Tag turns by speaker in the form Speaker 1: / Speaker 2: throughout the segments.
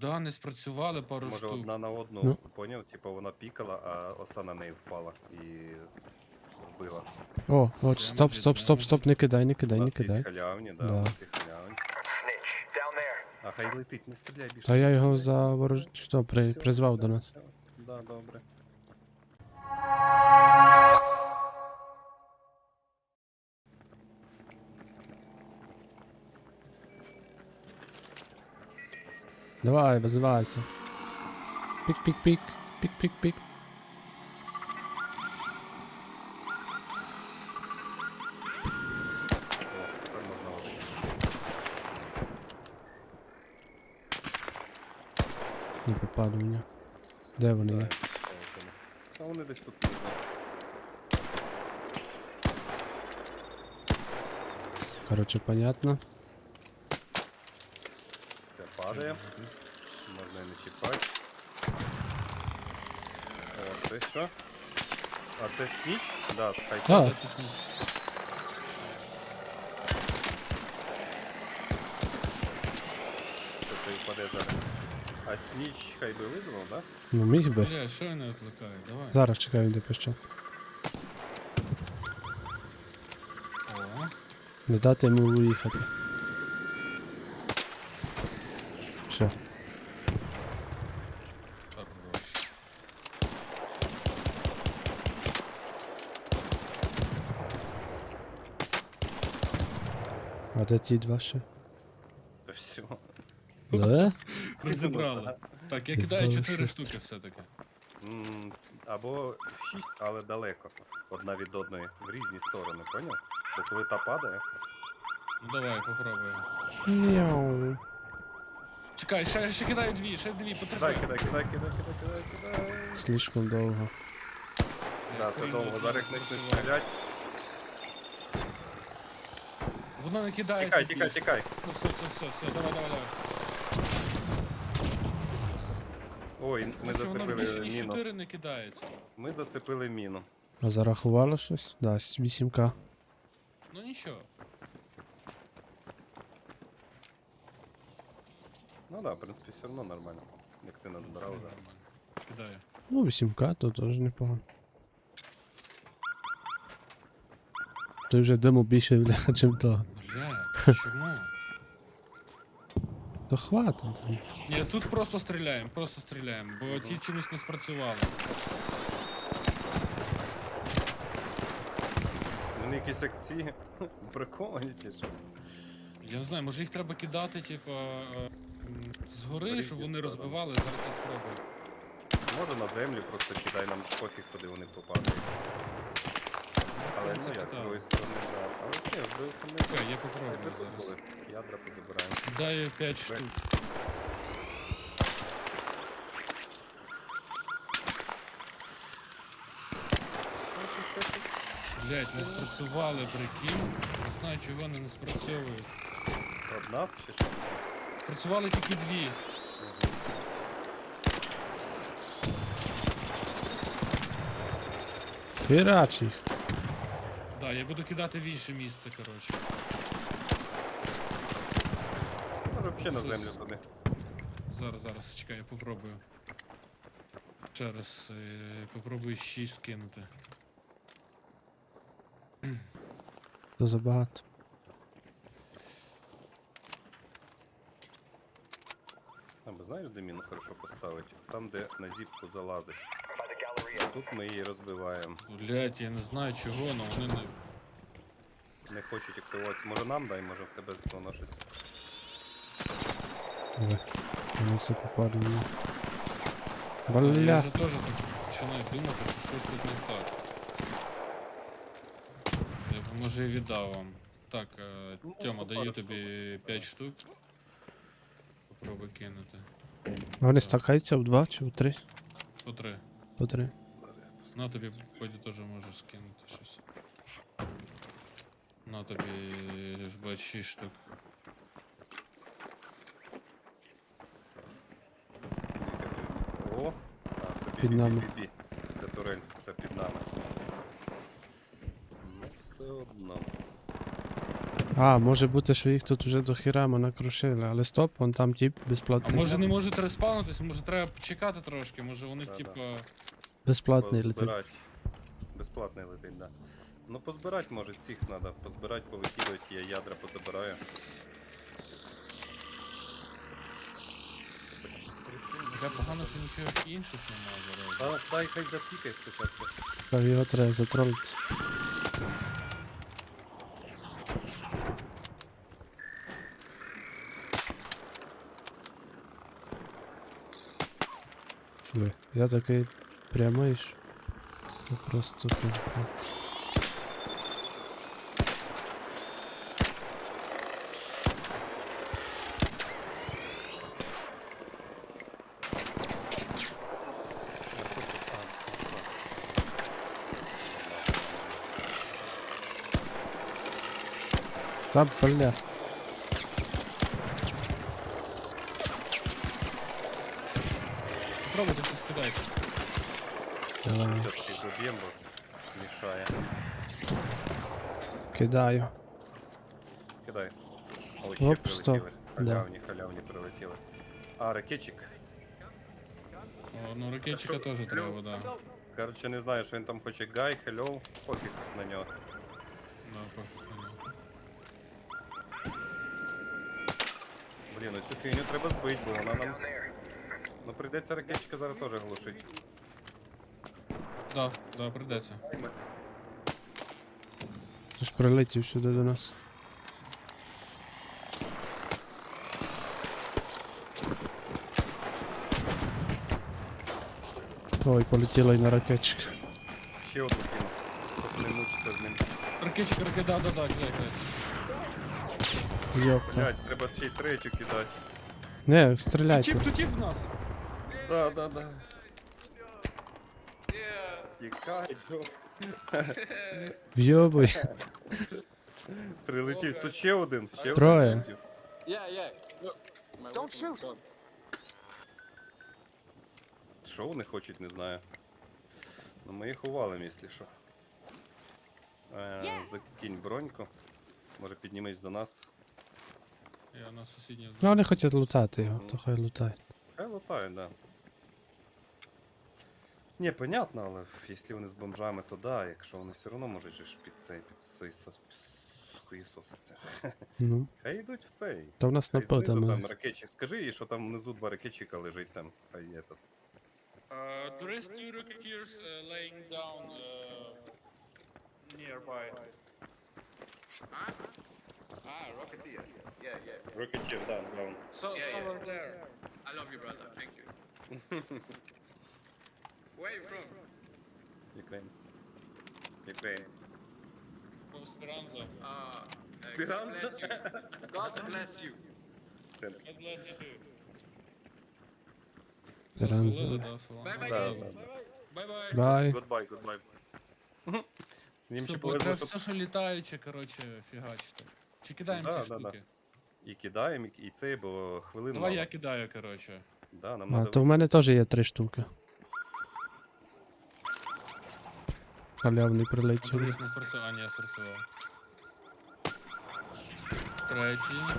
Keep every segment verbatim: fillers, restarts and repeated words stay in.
Speaker 1: Да, не спрацювали пару
Speaker 2: Може
Speaker 1: штук.
Speaker 2: одна на одну,
Speaker 3: Ну.
Speaker 2: поняв? Типа вона пікала, а оса на неї впала і вбила.
Speaker 3: О, от,
Speaker 1: Де
Speaker 3: стоп,
Speaker 1: може,
Speaker 3: стоп,
Speaker 1: де
Speaker 3: стоп,
Speaker 1: може?
Speaker 3: стоп, не кидай, не
Speaker 2: У
Speaker 3: кидай, не
Speaker 2: нас є
Speaker 3: кидай.
Speaker 2: халявні, да,
Speaker 3: Да.
Speaker 2: у нас є халявні. А хай летить, не стріляй більше.
Speaker 3: Та
Speaker 2: не
Speaker 3: я його
Speaker 2: стріляй.
Speaker 3: заворож... Що, при...
Speaker 2: Всьо,
Speaker 3: призвав
Speaker 2: всьо,
Speaker 3: до нас.
Speaker 2: всьо. Да, добре.
Speaker 3: Давай, визивайся. Пік-пік-пік, пік-пік-пік.
Speaker 2: О, тепер можна летити.
Speaker 3: Не попаду в нього. Де вони
Speaker 2: Да,
Speaker 3: є?
Speaker 2: я поставив тому. Та вони десь тут не знаю.
Speaker 3: Короче, понятно.
Speaker 2: Це падає. Можна і не чіпати. О, це що? А це сніч? Да, хай
Speaker 3: А.
Speaker 2: падає.
Speaker 1: Це смішно.
Speaker 2: Це той впаде зараз. А сніч хай би визвав, да?
Speaker 3: Ну міг би.
Speaker 1: Бля, що я не викликаю? Давай.
Speaker 3: Зараз чекаю, де пише.
Speaker 1: О,
Speaker 3: Не дати йому уїхати. Все.
Speaker 1: хорош.
Speaker 3: А де ті два ще?
Speaker 2: Та все.
Speaker 3: Да?
Speaker 1: Розібрали. Так, я
Speaker 3: Ти
Speaker 1: кидаю
Speaker 3: хорош,
Speaker 1: чотири
Speaker 3: шустий.
Speaker 1: штуки все-таки.
Speaker 2: М, Або шість, але далеко. Одна від одної. В різні сторони, поняв? Бо коли та падає,
Speaker 1: Ну давай, попробуємо.
Speaker 3: Мяу.
Speaker 1: Чекай, ще, ще кидаю дві, ще дві,
Speaker 2: кидай,
Speaker 1: потерпи.
Speaker 2: кидай, кидай, кидай, кидай, кидай, кидай.
Speaker 3: Слишком довго.
Speaker 2: Да, це довго. Зараз як почнуть стріляти.
Speaker 1: Воно не кидає.
Speaker 2: Тікай, тікай, тікай.
Speaker 1: Ну все, все, все, все, давай, давай, давай.
Speaker 2: Ой, ми
Speaker 1: Тому що воно більше
Speaker 2: зацепили
Speaker 1: ніж
Speaker 2: міну.
Speaker 1: чотири не кидається.
Speaker 2: Ми зацепили міну.
Speaker 3: А зарахувало щось? Да, вісім ка.
Speaker 1: Ну нічого.
Speaker 2: Ну да, в принципі, все одно нормально. Як ти назбирав
Speaker 1: Все
Speaker 2: зараз.
Speaker 1: нормально. Кидаю.
Speaker 3: Ну, вісім ка, то теж непогано. Ти вже диму більше, бля, чим того.
Speaker 1: Бля, чому?
Speaker 3: То хватить.
Speaker 1: Ні, тут просто стріляємо, просто стріляємо, бо ті чомусь не спрацювали.
Speaker 2: Вони якісь акції прикольні чи що?
Speaker 1: Я не знаю, може їх треба кидати, типа, е, м, згори,
Speaker 2: Різні
Speaker 1: щоб вони
Speaker 2: сторони.
Speaker 1: розбивали, зараз я спробую.
Speaker 2: Може на землю просто кидай, нам пофіг, куди вони попадають. Але ну як, з другої сторони, да. Але ні, з другої сторони,
Speaker 1: Чекай, я
Speaker 2: хай би
Speaker 1: попробую
Speaker 2: тут
Speaker 1: зараз.
Speaker 2: були. Ядра позабираємо.
Speaker 1: Даю п'ять штук. Блять, не спрацювали, прикинь. Не знаю, чого вони не спрацьовують.
Speaker 2: Одна чи що?
Speaker 1: Спрацювали тільки дві.
Speaker 3: Хірач їх.
Speaker 1: Да, я буду кидати в інше місце, коротше.
Speaker 2: Може взагалі на
Speaker 1: Щось.
Speaker 2: землю туди.
Speaker 1: Зараз, зараз, чекай, я попробую. Ще раз, е, попробую шість скинути.
Speaker 3: То забагато.
Speaker 2: А, бо знаєш, де міну хорошо поставити? Там, де на зіпку залазить. Тут ми її розбиваємо.
Speaker 1: Блять, я не знаю чого, але вони не.
Speaker 2: Не хочуть активувати. Може нам дай, може в тебе воно щось.
Speaker 3: Ой, воно все попаду.
Speaker 1: Я
Speaker 3: Бля.
Speaker 1: вже теж так починаю думати, що щось тут не так. Я б, може і віддав вам. Так, е,
Speaker 2: Ну,
Speaker 1: Тьома,
Speaker 2: ну,
Speaker 1: даю
Speaker 2: пару
Speaker 1: тобі
Speaker 2: штук.
Speaker 1: п'ять штук. Попробуй кинути.
Speaker 3: Вони стакаються в два чи в три?
Speaker 1: По три.
Speaker 3: По три.
Speaker 1: На тобі потім теж можеш скинути щось. На тобі бач шість штук.
Speaker 2: О, а, це
Speaker 3: Під нами.
Speaker 2: бі-бі-бі-бі. Це турель, це під нами. Ну, все одно.
Speaker 3: А, може бути, що їх тут вже до хіра накрушили, але стоп, вон там тип
Speaker 1: А
Speaker 3: безплатний.
Speaker 1: може не можуть респаунитись, може треба почекати трошки, може вони
Speaker 2: Да-да.
Speaker 1: типа.
Speaker 3: Безплатний летить.
Speaker 2: Позбирать. Безплатний летить, да. Ну позбирать може цих треба. Позбирать, повикидувати, я ядра позабираю.
Speaker 1: Таке погано, що нічого інших немає зараз.
Speaker 2: А, дай хай запікай спочатку.
Speaker 3: Та його треба затролити. Диви, я такий прямий ж. Це просто пиздець. Та бля.
Speaker 1: Пробуйте щось кидайте.
Speaker 3: Давай.
Speaker 2: Зараз всіх заб'ємо, бо мішає.
Speaker 3: Кидаю.
Speaker 2: Кидай. О, ще
Speaker 3: Оп, стоп.
Speaker 2: прилетіли.
Speaker 3: Да.
Speaker 2: Халявні, халявні прилетіли. А, ракетчик.
Speaker 1: О, ну ракетчика теж треба, да.
Speaker 2: Короче, не знаю, що він там хоче. Гай, хеллоу, пофіг на нього.
Speaker 1: Да, пофіг.
Speaker 2: Блін, ну цю фігню треба збити, бо вона нам... Ну прийдеться ракетчика зараз теж глушити.
Speaker 1: Да, да, придеться.
Speaker 3: Ти ж прилетів сюди до нас. Ой, полетіла й на ракетчик.
Speaker 2: Ще одну кину, щоб не мучитися з ним.
Speaker 1: Ракетчик, ракет, да, да, да, кидай, кидай.
Speaker 3: Йопта.
Speaker 2: Блять, треба ще й третю кидати.
Speaker 3: Не,
Speaker 1: Тіп,
Speaker 3: стріляйте.
Speaker 1: тут тіп в нас.
Speaker 2: Да, да, да. Тікай, Джо.
Speaker 3: Йобуй.
Speaker 2: Прилетів. Тут ще один, ще один.
Speaker 3: Троє.
Speaker 2: прилетів.
Speaker 4: Yeah, yeah. Look. My
Speaker 5: Don't
Speaker 4: weapon
Speaker 5: shoot.
Speaker 4: is done.
Speaker 2: Що вони хочуть, не знаю. Ну ми їх увалим, якщо що. Е, закинь броньку. Може піднімись до нас.
Speaker 1: Я на сусідній.
Speaker 3: Ну вони хочуть лутати його, то хай лутають.
Speaker 2: Хай лутають, да. Ні, понятно, але якщо вони з бомжами, то да, якщо вони все одно можуть же ж під цей, під цей хуїсоситься.
Speaker 3: Ну,
Speaker 2: Хай йдуть в цей.
Speaker 3: то в нас
Speaker 2: Хай знизу
Speaker 3: нападами.
Speaker 2: там ракетчик. Скажи їй, що там внизу два ракетчика лежить там. Хай є тут.
Speaker 1: Uh, there is two racketeers uh, laying down uh, nearby.
Speaker 4: Ah, Rocketeer. Yeah, yeah.
Speaker 2: Ракетчик, да, даун.
Speaker 1: So,
Speaker 4: Yeah, yeah.
Speaker 1: somewhere there.
Speaker 4: I love you, brother. Thank you. Where you from?
Speaker 2: Ukraine. Ukraine.
Speaker 1: From Speranza.
Speaker 4: Ah, uh,
Speaker 2: Speranza?
Speaker 4: God bless you. God bless you.
Speaker 1: God bless you too.
Speaker 3: Speranza.
Speaker 1: Все, свалили, да, свалили.
Speaker 4: Bye-bye.
Speaker 2: Да,
Speaker 1: Добре.
Speaker 2: да.
Speaker 1: Бай-бай.
Speaker 3: Бай.
Speaker 2: Goodbye, goodbye. Їм
Speaker 1: Все,
Speaker 2: ще
Speaker 1: бо
Speaker 2: повезло,
Speaker 1: це
Speaker 2: що
Speaker 1: все, що літаюче, коротше, фігачите. Чи кидаємо
Speaker 2: Да,
Speaker 1: ці
Speaker 2: да, да.
Speaker 1: штуки?
Speaker 2: і кидаємо, і цей, бо хвилин
Speaker 1: Давай
Speaker 2: мало.
Speaker 1: я кидаю, коротше.
Speaker 2: Да, нам
Speaker 3: А,
Speaker 2: надо...
Speaker 3: то в мене теж є три штуки. Халявний прилетів.
Speaker 1: Дивись, не спрацював. А, ні, спрацював. Третій.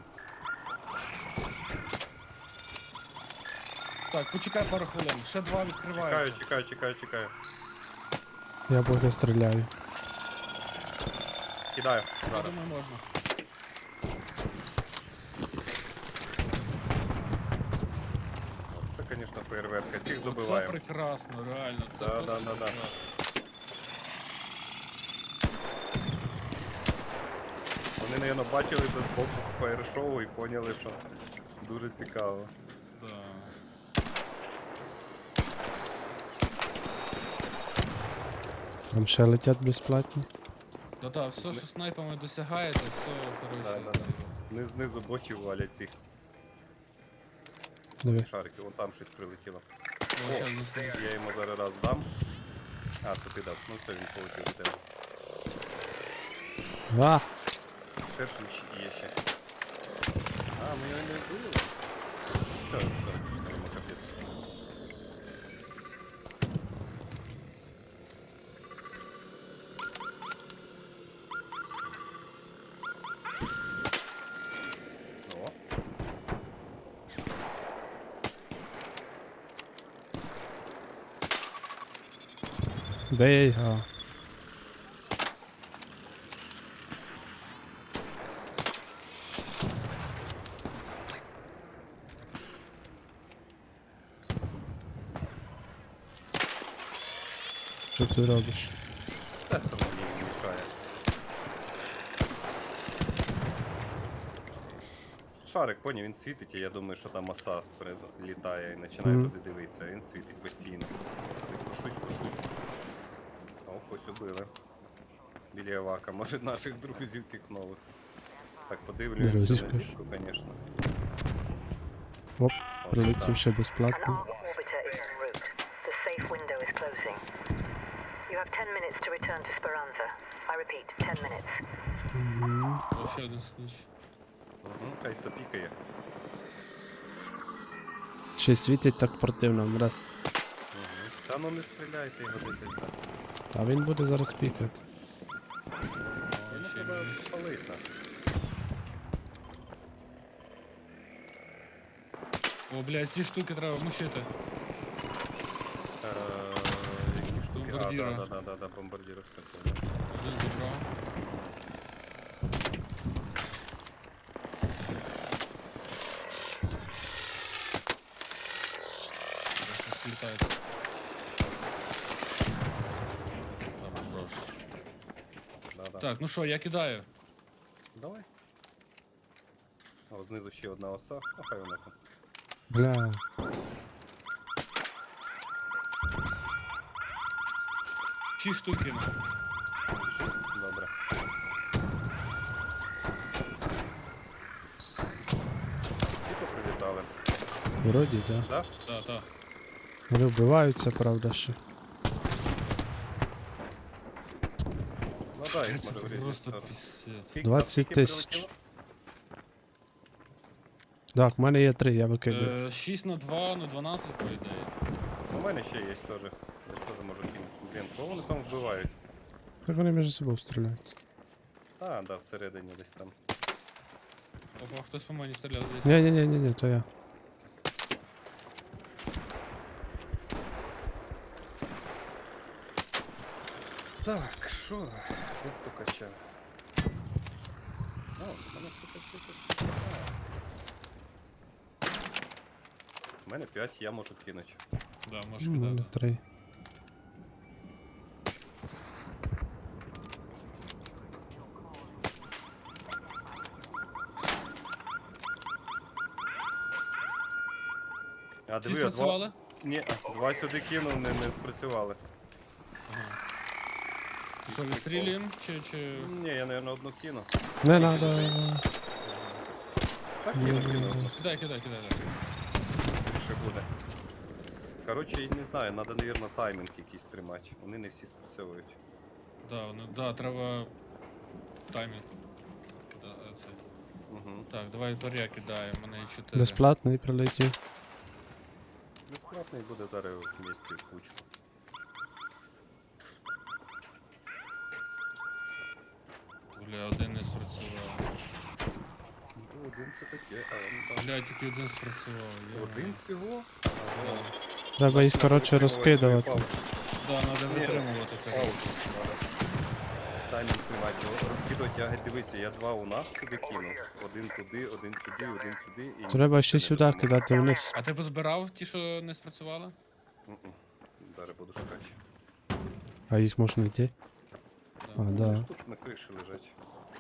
Speaker 1: Так, почекай пару хвилин. Ще два
Speaker 2: Чекаю,
Speaker 1: відкриваються.
Speaker 2: чекаю, чекаю, чекаю.
Speaker 3: Я поки стріляю.
Speaker 2: Кидаю.
Speaker 1: Я
Speaker 2: Зараз.
Speaker 1: думаю, можна.
Speaker 2: Це, звісно, фейерверка. Цих
Speaker 1: Це
Speaker 2: добиваємо.
Speaker 1: прекрасно, реально. Це
Speaker 2: Да,
Speaker 1: просто
Speaker 2: да, да, да.
Speaker 1: прекрасно.
Speaker 2: Вони, мабуть, бачили це з боку фаєр-шоу і поняли, що дуже цікаво.
Speaker 1: Да.
Speaker 3: Там ще летять безплатні.
Speaker 1: Да-да, все, що снайпами досягаєте, все, коротше.
Speaker 2: Да, да, да.
Speaker 1: це-
Speaker 2: Не знизу ботів валять цих
Speaker 3: Диви.
Speaker 2: шариків. Вон там щось прилетіло.
Speaker 1: О, ще не знаю.
Speaker 2: Я йому зараз раз дам. А, це ти дав. Ну все, він полетів до тебе.
Speaker 3: А!
Speaker 2: Шершень ще є ще. А, ми його не вбили? Все, все, йому капець.
Speaker 3: Бей, а. Що ти робиш?
Speaker 2: Та хто мені мішає. Шарик, поняв, він світить, і я думаю, що там оса літає і починає
Speaker 3: Мгм.
Speaker 2: туди дивитися, а він світить постійно. Я Пушусь, пушусь. О, ось убили. Біля Авака, може наших друзів цих нових. Так, подивлюємося
Speaker 3: Друзів,
Speaker 2: на
Speaker 3: кажеш.
Speaker 2: зірку, звісно.
Speaker 3: Оп,
Speaker 2: От
Speaker 3: прилетів
Speaker 2: там.
Speaker 3: ще
Speaker 5: An
Speaker 3: безплатно.
Speaker 5: Ark orbiter is en route. The safe window is closing. You have ten minutes to return to Speranza. I repeat, ten minutes.
Speaker 3: Мгм.
Speaker 1: О, ще один сніч.
Speaker 2: Угу, хай це пікає.
Speaker 3: Ще й світить так противно, раз.
Speaker 2: Угу. Та ну не стріляйте його десь так.
Speaker 3: А він буде зараз пікати.
Speaker 1: О,
Speaker 2: Йому
Speaker 1: ще
Speaker 2: треба
Speaker 1: мінус.
Speaker 2: спалити.
Speaker 1: О, блядь, ці штуки треба мучити.
Speaker 2: Е, Які штуки? А,
Speaker 1: Бомбардіра.
Speaker 2: да, да, да, да, бомбардіра, все понял.
Speaker 1: Один забрав. Зараз слітають. Хорош.
Speaker 2: Да, да.
Speaker 1: Так, ну що, я кидаю.
Speaker 2: Давай. А от знизу ще одна оса. А хай вона там.
Speaker 3: Бля.
Speaker 1: Шість штук кину.
Speaker 2: Шість? Добре. Всі поприлітали.
Speaker 3: Вроді, да.
Speaker 2: Да?
Speaker 1: Так, так.
Speaker 3: Вони вбиваються, правда, ще.
Speaker 2: Ну да, їх
Speaker 1: Це
Speaker 2: може в різні
Speaker 1: просто
Speaker 2: сторони.
Speaker 1: пісець.
Speaker 2: Скільки-
Speaker 3: двадцять
Speaker 2: скільки
Speaker 3: тисяч.
Speaker 2: прилетіло?
Speaker 3: Так, в мене є три, я викидаю.
Speaker 1: Е, шість на два на дванадцять, по ідеї.
Speaker 2: У мене ще є теж. Я теж можу кинути. Блін, кого вони там вбивають?
Speaker 3: Так вони між собою стріляють.
Speaker 2: А, да, всередині десь там.
Speaker 1: Опа, хтось по мені стріляв десь.
Speaker 3: Ні-ні-ні, то я.
Speaker 2: Так, що? Без стукача. О, у мене стукача тут. У мене п'ять, я можу кинути.
Speaker 1: Да, можеш
Speaker 3: У мене
Speaker 1: кидати.
Speaker 3: три.
Speaker 2: А
Speaker 1: Всі
Speaker 2: диви, а два...
Speaker 1: спрацювали?
Speaker 2: Ні, два сюди кинув, не, не спрацювали.
Speaker 1: Ага. Що, відстрілюємо? Чи, чи...
Speaker 2: Ні, я, мабуть, одну кину.
Speaker 3: Не надо.
Speaker 2: Так кину, кину.
Speaker 1: Кидай, кидай, кидай. да.
Speaker 2: Ще буде. Коротше, я не знаю, треба, мабуть, таймінг якийсь тримати. Вони не всі спрацьовують.
Speaker 1: Да, ну, да, треба таймінг. Да, це.
Speaker 2: Угу.
Speaker 1: Так, давай паря кидаємо, у мене є чотири.
Speaker 3: Безплатний прилетів.
Speaker 2: Безплатний буде зараз в місті в кучу.
Speaker 1: Бля, один не спрацював.
Speaker 2: Ну, один це таке, а він там.
Speaker 1: Бля, тільки один спрацював. я
Speaker 2: Один
Speaker 1: маю.
Speaker 2: всього?
Speaker 1: Да.
Speaker 2: Ага.
Speaker 3: Треба їх, коротше, розкидувати.
Speaker 1: Да, треба
Speaker 2: Ні.
Speaker 1: витримувати так.
Speaker 2: Паузу надо. Таймінг тримати. Бо розкидувати ягід, дивися, я два у нас сюди кинув. Один туди, один сюди, один сюди. І
Speaker 3: Треба ще
Speaker 2: не
Speaker 3: сюди
Speaker 2: допоможе.
Speaker 3: кидати вниз.
Speaker 1: А ти позбирав ті, що не спрацювали?
Speaker 2: Мгм. Зараз буду шукати.
Speaker 3: А їх можна йти. А,
Speaker 1: Да.
Speaker 3: да.
Speaker 2: Ж Тут на криші лежать.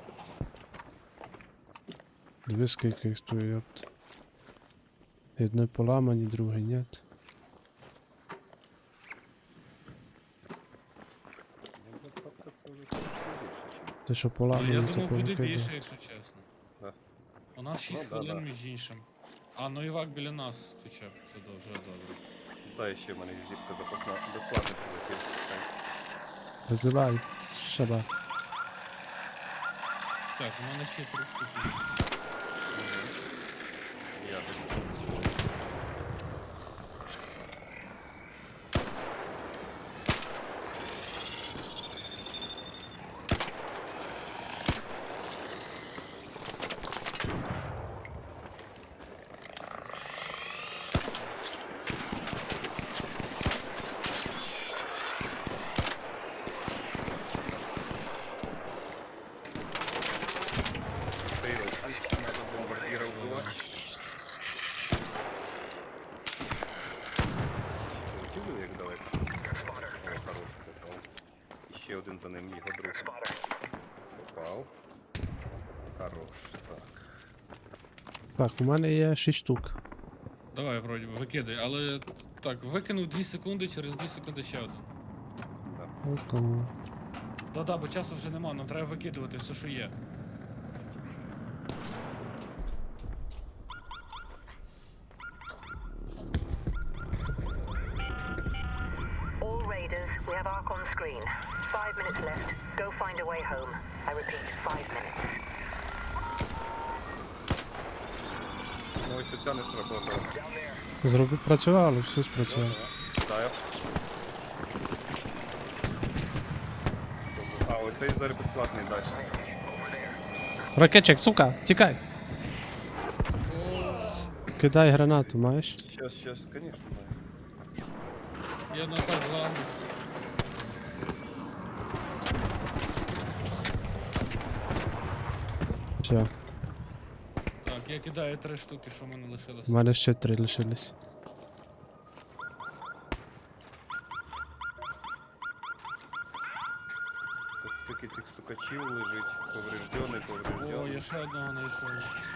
Speaker 3: Диви, скільки їх тут, йопт. Одне поламані, друге ні.
Speaker 2: Ну, папка це вже трошки більше, чим.
Speaker 3: Те, що
Speaker 1: Ну, я
Speaker 3: поламані, то
Speaker 1: думав, буде
Speaker 3: повикидаю.
Speaker 1: більше, якщо чесно.
Speaker 2: Да.
Speaker 1: У нас шість
Speaker 2: Ну, да,
Speaker 1: хвилин
Speaker 2: да.
Speaker 1: між іншим. А, ну Івак біля нас хоча б, це дуже добре.
Speaker 2: Та ще в мене зіпка запасна. Безплатно прилетів.
Speaker 3: Визивай. Шаба.
Speaker 1: Так, у мене ще три штуки.
Speaker 2: Я думаю. ще один за ним, його друг. Попав. Хорош, так.
Speaker 3: Так, у мене є шість штук.
Speaker 1: Давай, вроді, би, викидай, але так, викинув дві секунди, через дві секунди ще один.
Speaker 2: Да.
Speaker 3: От тому.
Speaker 1: Да-да, бо часу вже нема, нам треба викидувати все, що є.
Speaker 5: All raiders, we have Ark on screen. Five minutes left. Go find a way home. I repeat, five minutes.
Speaker 2: Ну ось оця не сработала.
Speaker 3: Зробив, працювало, все спрацювало.
Speaker 2: Дай. А, оцей зараз безплатний дасть.
Speaker 3: Ракетчик, сука, тікай! Кидай гранату, маєш?
Speaker 2: Щас, щас, конечно, маю.
Speaker 1: Я назад за.
Speaker 3: Все,
Speaker 1: Так, я кидаю три штуки, що в мене лишилось.
Speaker 3: у мене ще три лишились.
Speaker 2: Тут таки цих стукачів лежить. Повреждений,
Speaker 1: О,
Speaker 2: повреждений.
Speaker 1: я ще одного знайшов.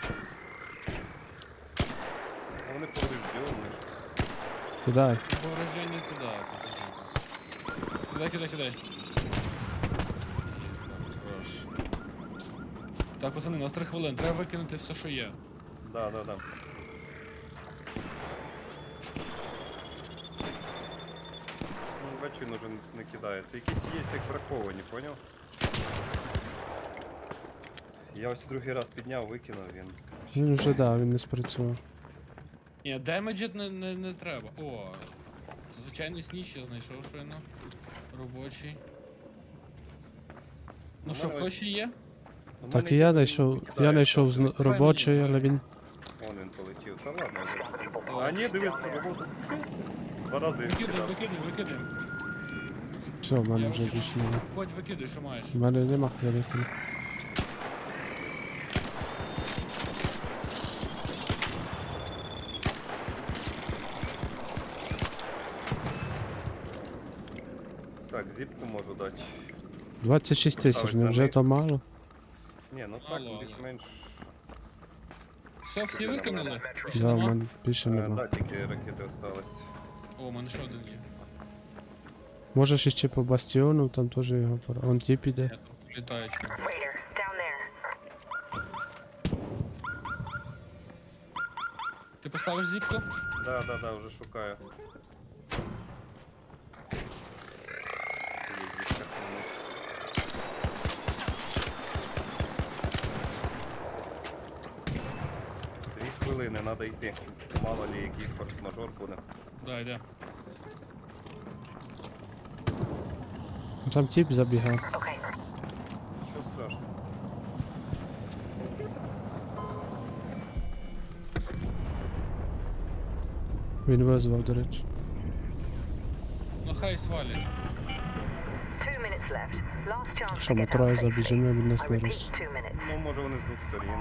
Speaker 2: А вони повреждені.
Speaker 3: Кидай.
Speaker 1: Повреждення це да. Кидай, кидай, кидай. Хорош. Так, пацани, у нас три хвилини, треба викинути все, що є.
Speaker 2: Да, да, да. Ну, бачу, він уже не кидається. Якісь є, як браковані, поняв? Я ось другий раз підняв, викинув він.
Speaker 3: Він вже да, він не спрацював.
Speaker 1: Ні, демеджит не, не, не треба. О, звичайний сніч я знайшов щойно. Робочий. Ну
Speaker 2: У
Speaker 1: що, в
Speaker 2: мене
Speaker 1: когось ще є?
Speaker 2: У
Speaker 3: Так
Speaker 2: мене
Speaker 3: і я
Speaker 2: він
Speaker 3: знайшов, я
Speaker 2: кидає.
Speaker 3: знайшов з- робочий, але він.
Speaker 2: Вон він полетів. Та ладно, вже. А ні, дивись, роботу. Два рази
Speaker 1: Викидай,
Speaker 2: кидав.
Speaker 1: викидай, викидай.
Speaker 3: Все, в мене
Speaker 1: Я
Speaker 3: вже
Speaker 1: викину.
Speaker 3: більше немає.
Speaker 1: Хоч викидай, що маєш.
Speaker 3: У мене нема, я викину.
Speaker 2: Так, зіпку можу дати.
Speaker 3: двадцять шість тисяч,
Speaker 2: Ставить
Speaker 3: не
Speaker 2: на
Speaker 3: вже
Speaker 2: низ.
Speaker 3: то мало?
Speaker 2: Ні, ну так,
Speaker 1: Мало, але-
Speaker 2: більш-менш.
Speaker 1: Все, всі викинули? Ще
Speaker 3: Да, в
Speaker 1: нема?
Speaker 3: мене більше
Speaker 2: Е,
Speaker 3: нема.
Speaker 2: Да, тільки ракети осталось.
Speaker 1: О, у мене ще один є.
Speaker 3: Можеш іще по бастіону, там теж його пора. Он тіп іде.
Speaker 1: Я тут літаючий.
Speaker 5: Raider, down there.
Speaker 1: Ти поставиш зіпку?
Speaker 2: Да, да, да, вже шукаю. Є зіпка вниз. Дві хвилини, треба йти. Мало ли який форс-мажор буде.
Speaker 1: Да, йде.
Speaker 3: Там тіп забігав.
Speaker 5: Okay.
Speaker 2: Нічого страшного.
Speaker 3: Він визвав, до речі.
Speaker 1: Ну хай свалять.
Speaker 5: Two minutes left. Last chance
Speaker 3: Що,
Speaker 5: to
Speaker 3: ми
Speaker 5: get out
Speaker 3: троє
Speaker 5: safely.
Speaker 3: забіжимо, він
Speaker 5: I
Speaker 3: нас не
Speaker 5: repeat,
Speaker 3: роз.
Speaker 5: two minutes.
Speaker 2: Ну, може вони з двох сторін.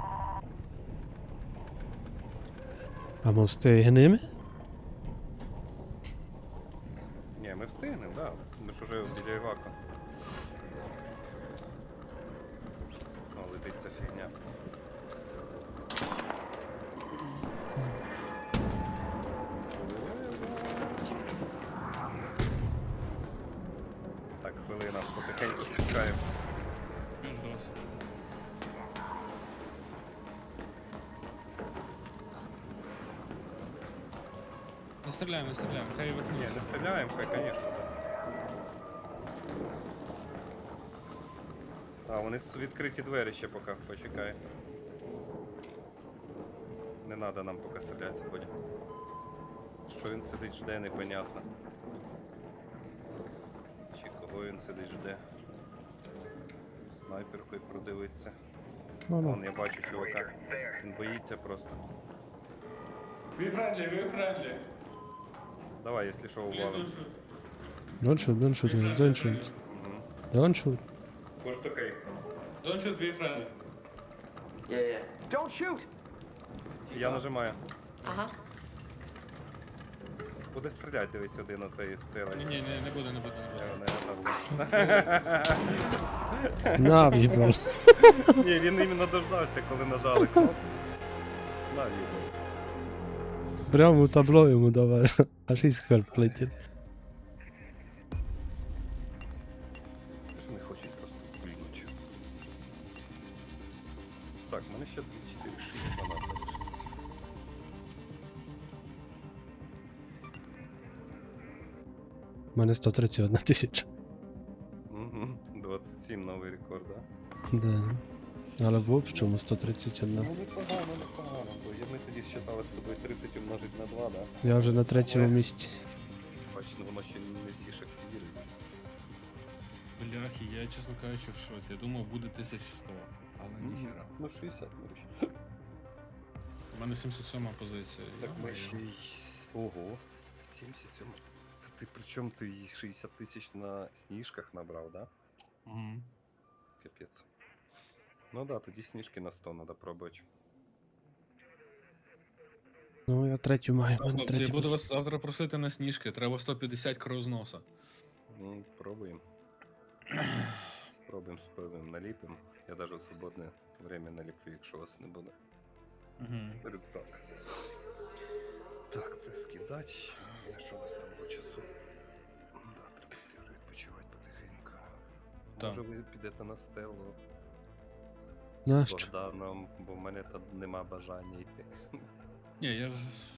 Speaker 3: А ми встигнемо?
Speaker 2: Ні, ми встигнемо, да. Ми ж уже біля Івака. О, летить ця фігня. Так, хвилина, потихеньку спускаємося.
Speaker 1: Біж до вас. Не стріляємо, не стріляємо, хай
Speaker 2: Ні,
Speaker 1: викинуться.
Speaker 2: не стріляємо, хай, звісно. А, вони с- відкриті двері ще поки, почекай. Не треба нам поки стрілятися, Бодя. Що він сидить, жде, непонятно. Чи кого він сидить, жде. Снайперкою продивиться.
Speaker 3: Ну,
Speaker 2: Вон,
Speaker 3: ну.
Speaker 2: я бачу чувака. Він боїться просто.
Speaker 1: Ви френдлі, ви френдлі.
Speaker 2: Давай, якщо що, увалим.
Speaker 3: Don't shoot, don't shoot, guys, don't shoot.
Speaker 2: Угу.
Speaker 3: Don't shoot.
Speaker 2: Може такий.
Speaker 1: Don't shoot, we friendly.
Speaker 2: Я нажимаю.
Speaker 6: Ага.
Speaker 2: Буде стріляти, дивись сюди на цей сцелень.
Speaker 1: Ні, ні, не, не буде, не буде, не буде.
Speaker 3: На, в'їбав.
Speaker 2: Ні, він іменно дождався, коли нажали кнопку. На, в'їбав.
Speaker 3: Прямо у табло йому давай. Аж іскор полетів.
Speaker 2: Це ж не хочуть просто пульнуть. Так, в мене ще дві, чотири, шість, дванадцять залишилось.
Speaker 3: У мене сто тридцять одна тисяча.
Speaker 2: Угу. двадцять сім новий рекорд, да?
Speaker 3: Да. Але в общому сто тридцять одна.
Speaker 2: Ну непогано, непогано. Бо я- ми тоді считали з тобою тридцять умножить на два, да?
Speaker 3: Я вже на третьому місці.
Speaker 2: Бачно, воно ще не всі ж активіруються.
Speaker 1: Бляхи, я, чесно кажучи, в шоці. Я думав, буде тисяча сто, але ніхіра.
Speaker 2: Ну шістдесят, Мирич.
Speaker 1: У мене сімдесят сьома позиція.
Speaker 2: Так ми
Speaker 1: йо-моє.
Speaker 2: ще й... Ого. сімдесят сім. Це ти причому ти й шістдесят тисяч на сніжках набрав, да?
Speaker 1: Мгм.
Speaker 2: Капець. Ну да, тоді сніжки на сто треба пробувати.
Speaker 3: Ну, я третю маю. в мене
Speaker 1: Хлопці, я
Speaker 3: третя
Speaker 1: буду
Speaker 3: позиція.
Speaker 1: вас завтра просити на сніжки. Треба сто п'ятдесят крозноса.
Speaker 2: Ну, пробуємо. Пробуємо, спробуємо, наліпимо. Я навіть в свободне время наліплю, якщо вас не буде.
Speaker 1: Угу.
Speaker 2: Рюкзак. Так, це скидать. А що у нас там по часу? Да, треба йти вже відпочивати потихеньку.
Speaker 1: Так.
Speaker 2: Може ви підете на стелу з
Speaker 3: Нащо?
Speaker 2: Богданом, бо в мене там нема бажання йти.
Speaker 1: Ні, я ж